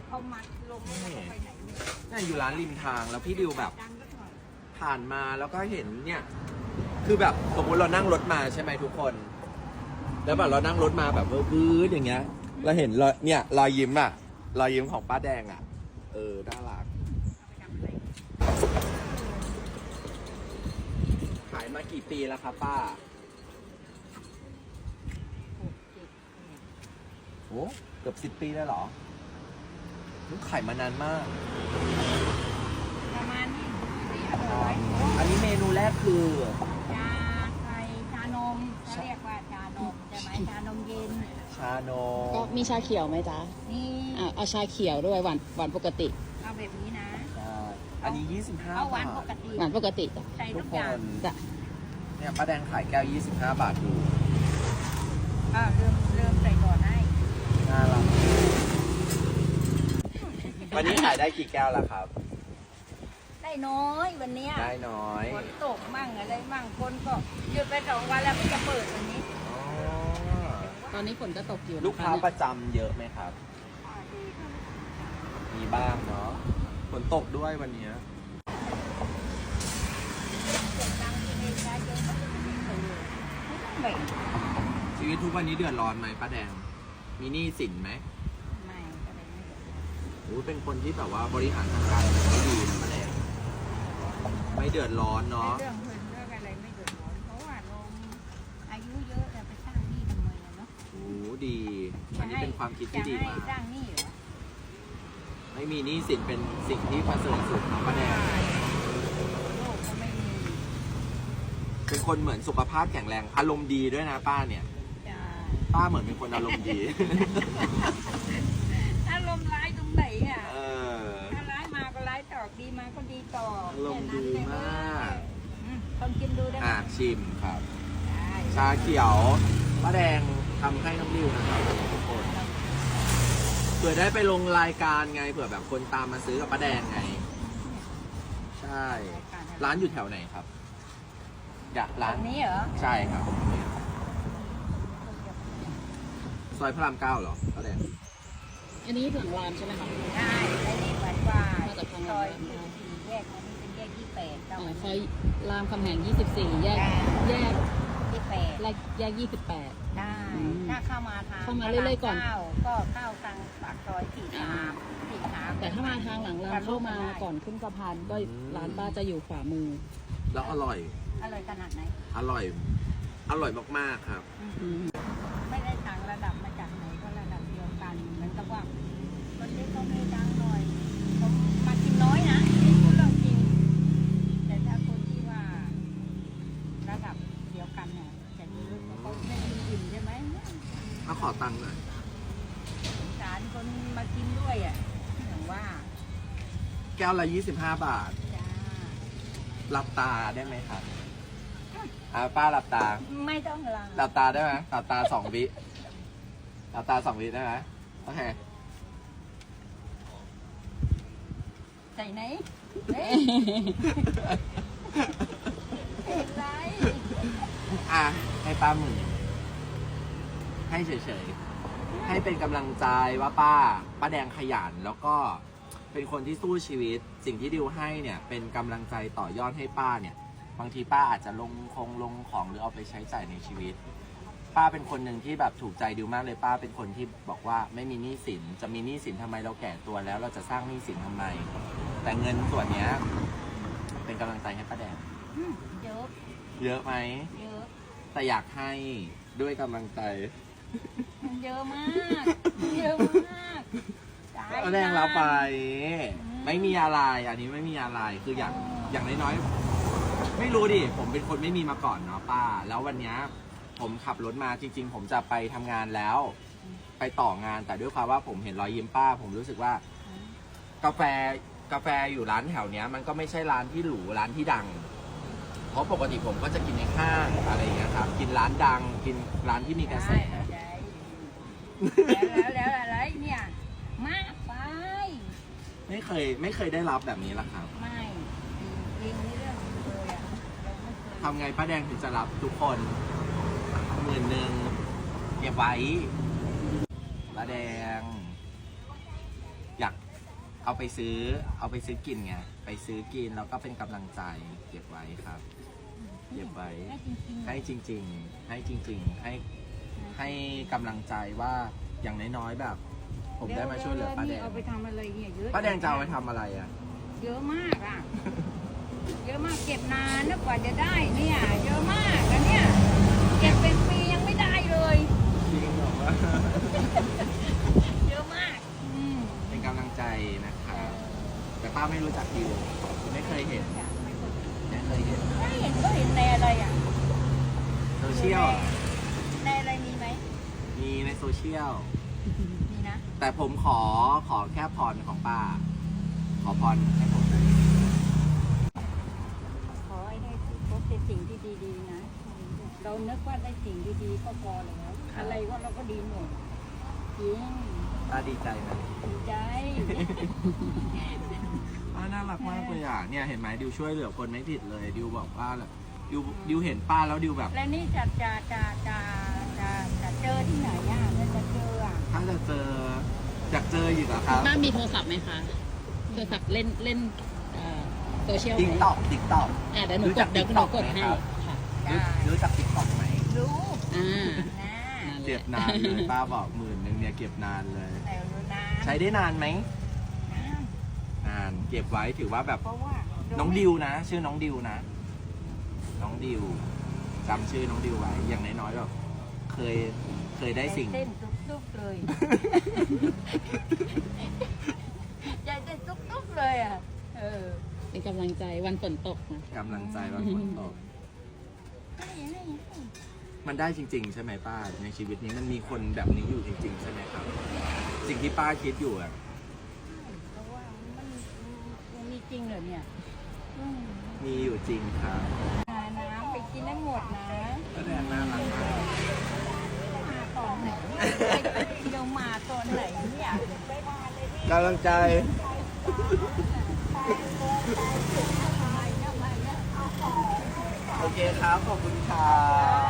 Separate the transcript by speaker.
Speaker 1: เขามัดลงไม่ได้ไปไหน
Speaker 2: เนี่ยอยู่ร้านริมทางแล้วพี่ดิวแบบผ่านมาแล้วก็เห็นเนี่ยคือแบบสมมติเรานั่งรถมาใช่ไหมทุกคนแล้วแบบเรานั่งรถมาแบบวืดอย่างเงี้ยเราเห็นเนี่ยรอยยิ้มอะรอยยิ้มของป้าแดงอะน่ารักขายมากี่ปีแล้วครับป้าโอ้เกือบ10 ปีแล้วเหรอขายมานานมาก
Speaker 1: ประมาณนี้
Speaker 2: อันนี้เมนูแรกคือ
Speaker 1: ชาไทยชานมเขาเรียกว่าชานมใช่ไหมชานมเย็น
Speaker 2: ชานม
Speaker 3: ก็มีชาเขียวไหมจ๊ะ
Speaker 1: นี่
Speaker 3: เอาชาเขียวด้วยหวานปกติ
Speaker 1: เอาแบบนี้นะ
Speaker 2: อันนี้25
Speaker 1: เอาหวาน
Speaker 2: บา
Speaker 1: ป
Speaker 2: ท
Speaker 1: กติ
Speaker 3: หวานปกติจ้ะ
Speaker 1: ใส่ทุกอย่าง
Speaker 3: จ้ะ
Speaker 2: เนี่ยป้าแดงขายแก้ว25 บาทดู
Speaker 1: เริ่มใส่ก่อนให้
Speaker 2: น่ารักวันนี้ขายได้กี่แก้วแล้วครับ
Speaker 1: ได้น้อยวันนี้
Speaker 2: ได้น้อย
Speaker 1: ฝนตกมั่งอะไรมั่งคนก็หยุดไป2 วันแล้วไม่จะเปิดวันนี้
Speaker 3: ตอนนี้ฝนก็ตกอยู่
Speaker 2: ลูกค้าประจำเยอะไหมครับมีบ้างเนาะฝนตกด้วยวันนี้ชีวิตทุกวันนี้เดือดร้อนไหมป้าแดงมีหนี้สินไหม
Speaker 1: ไม่ก็เลยไม่เดือดร้อน
Speaker 2: โอ้เป็นคนที่แบบว่าบริหารทางการเงินไม่ดีนะป้าแดงไม่เดือดร้อนเนาะ
Speaker 1: เรื่องเงินเรื่องอะไรไม่เดือดร้อนเพราะว่าลงอายุเยอะแล้วไปสร้างหนี้ทำไมเนาะ
Speaker 2: โอ้ดีอันนี้เป็นความคิดที่ดีมาก
Speaker 1: สร้างหนี้เหรอ
Speaker 2: ไม่มีหนี้สินเป็นสิ่งที่ประเสริฐสุดนะป้าแดง
Speaker 1: โลกก็ไม่มี
Speaker 2: เป็นคนเหมือนสุขภาพแข็งแรงอารมณ์ดีด้วยนะป้าเนี่ยป้าเหมือนเป็นคนอารมณ์ดี
Speaker 1: อารมณ์ร้ายตรงไหนอ่ะถ้าร้ายมาก็ร้ายตอบดีมาก็ดีตอบ
Speaker 2: อารมณ์ดีมาก
Speaker 1: ต้องกินดูได้
Speaker 2: ชิมครับชาเขียวป้าแดงทำให้น้องดิวนะครับทุกคนเผื่อได้ไปลงรายการไงเผื่อแบบคนตามมาซื้อกับป้าแดงไงใช่ร้านอยู่แถวไหนครับอยากร้าน
Speaker 1: นี้เหรอ
Speaker 2: ใช่ครับซอยพระราม 9เหรอป้าแดง
Speaker 3: อันนี้หลังรามใช่ไหมคะ
Speaker 1: ใช่ไอ้นี่เหมือนว่าซอย4แยกอันนี้เป็นแยก28
Speaker 3: ซอยรามคำแหง24แยก28แยก28
Speaker 1: ได้ถ้าเข้ามาทาง
Speaker 3: เข้ามาเรื่อยๆก่อน
Speaker 1: ก็เข้าทางปากซอย43
Speaker 3: แต่ถ้ามาทางหลังรามเข้ามาก่อนขึ้นสะพานก็ร้านป้าจะอยู่ขวามือ
Speaker 2: แล้วอร่อย
Speaker 1: ขนาดไหน
Speaker 2: อร่อยมากๆครับ
Speaker 1: ไม่ได้ต่างระดับมาจากไหนก็ระดับเดียวกันเหมือนกับว่าคนที่เขาไม่ดังหน่อยผมมากินน้อยนะพูดเรื่องจริงแต่ถ้าคนที่ว่าระดับเดียวกันเนี่ยจะมีรุ่นเขาไม่มีอิ่มใช่ไหม
Speaker 2: มาขอตังค์หน่อย
Speaker 1: สงสารคนมากินด้วยอ่ะอย่างว่า
Speaker 2: แก้วละ25 บาทหลับตาได้ไหมครับป้าหลับตา
Speaker 1: ไม่ต้อง
Speaker 2: หลับตาได้ไหมหลับตา2 วิหลับตา2 วิได้ไหมโอเค
Speaker 1: ใส่ไหนไร
Speaker 2: ให้ป้าหมื่นให้เฉยๆให้เป็นกำลังใจว่าป้าแดงขยันแล้วก็เป็นคนที่สู้ชีวิตสิ่งที่ดิวให้เนี่ยเป็นกำลังใจต่อยอดให้ป้าเนี่ยบางทีป้าอาจจะลงของหรือเอาไปใช้จ่ายในชีวิตป้าเป็นคนหนึ่งที่แบบถูกใจดิวมากเลยป้าเป็นคนที่บอกว่าไม่มีหนี้สินจะมีหนี้สินทำไมเราแก่ตัวแล้วเราจะสร้างหนี้สินทำไมแต่เงินส่วนนี้เป็นกำลังใจให้ป้าแดงเยอะไหม
Speaker 1: เยอะ
Speaker 2: แต่อยากให้ด้วยกำลังใจ
Speaker 1: เยอะมาก
Speaker 2: ป้าแดงเราไปไม่มีอะไรอันนี้ไม่มีอะไรคืออย่างน้อยๆไม่รู้ดิผมเป็นคนไม่มีมาก่อนเนาะป้าแล้ววันนี้ผมขับรถมาจริงๆผมจะไปทำงานแล้วไปต่องานแต่ด้วยความว่าผมเห็นรอยยิ้มป้าผมรู้สึกว่ากาแฟอยู่ร้านแถวเนี้ยมันก็ไม่ใช่ร้านที่หรูร้านที่ดังเพราะปกติผมก็จะกินในห้างอะไรอย่างเงี้ยครับกินร้านดังกินร้านที่มีกระแส
Speaker 1: แล้วอะไรเนี่ยมากไป
Speaker 2: ไม่เคยได้รับแบบนี้ละครับ
Speaker 1: ไม่จริงนี่เรื่องเลยอ่ะ
Speaker 2: ทำไงป้าแดงถึงจะรับทุกคน10,000เก็บไว้ป้าแดงอยากเอาไปซื้อกินไงไปซื้อกินแล้วก็เป็นกำลังใจเก็บไว้ครับเก็บไว้
Speaker 1: ให้จริงๆ
Speaker 2: ให้จริงๆให้กำลังใจว่าอย่างน้อยๆแบบ ผมได้มาช่วยเหลือป้าแดง
Speaker 1: เอาไปทำอะไรเนี่ยเยอะ
Speaker 2: ป้าแดงจะเอาไปทำอะไรอ่ะ
Speaker 1: เยอะมากอ่ะ เยอะมากเก็บนานนะกว่าจะได้เนี่ย เยอะมากแล้วเนี่ยเก็บเป็นปียังไม่ได้เลย
Speaker 2: จริงเหรอวะ
Speaker 1: เยอะมาก
Speaker 2: เป็นกำลังใจนะครับแต่ป้าไม่รู้จักดิวไม่เคยเห็นไม่เคยเห็น
Speaker 1: ไม่เห็นก็เห็นในอะไรอ่ะ
Speaker 2: โซเชียล
Speaker 1: ในอะไรมีไหม
Speaker 2: มีในโซเชียล
Speaker 1: มีนะ
Speaker 2: แต่ผมขอแค่พรของป้า ขอพรให้ผมหน่อย
Speaker 1: ขอให้ได้พบแต่สิ่งที่ดีๆนะ เรานึกว่าได้สิ่งดีๆก็พอแล้วอะไรก็เราก็ดีหมดจริง
Speaker 2: ป้าดีใจไหม
Speaker 1: ดีใจ
Speaker 2: ป้าน่ารักมากเลยอ่ะเนี่ยเห็นไหมดิวช่วยเหลือคนไม่ผิดเลยดิวบอกว่าดิวเห็นป้าแล้วดิวแบบ
Speaker 1: และนี่จะเจอที่ไหนอ่ะจะเจออ่ะ
Speaker 2: ถ้าจะเจออยากเจออยู่เหรอครับ
Speaker 3: บ้านมีโทรศัพท์ไหมคะ โทรศัพท์เล่นโซเชียลไหม
Speaker 2: ติ๊กต็อก
Speaker 3: เดี๋ยวหนูกดให้ค่ะ
Speaker 2: รู้จักติ๊กต็อกไหม
Speaker 1: รู้
Speaker 3: อ่า
Speaker 1: นะ
Speaker 2: เก็บนานเลยป้าบอก10,000เนี่ยเก็บนานเลย
Speaker 1: แต่รู้นะ
Speaker 2: ใช้ได้นานไหม
Speaker 1: นะ
Speaker 2: นานเก็บไว้ถือว่าแบบ
Speaker 1: เพราะว่า
Speaker 2: น้องดิวนะ ชื่อน้องดิวนะ น้องดิวจำชื่อน้องดิวไว้อย่างน้อยๆแบบเคยได้สิ่ง
Speaker 1: เต้นตุ๊บๆเลยใจเต้นตุ๊บๆเลยอ่ะ
Speaker 3: เป็นกำลังใจวันฝนตกนะ
Speaker 2: กำลังใจว่าฝนตก
Speaker 1: ให้
Speaker 2: มันได้จริง ๆ ใช่ไหมป้าในชีวิตนี้มันมีคนแบบนี้อยู่จริง ๆ ใช่ไหมครับ สิ่งที่ป้าคิดอยู่อะ
Speaker 1: เพราะว่ามันมีจริงเหรอเนี่ย
Speaker 2: มีอยู่จริงครับ
Speaker 1: น้ำไปกินได้หมดนะ
Speaker 2: ป้าแดงน่ารักมาก
Speaker 1: มาตอนไหนเดี๋ยวมาตอนไหนเนี่ย
Speaker 2: กำลังใจ โอเคครับ ขอบคุณครับ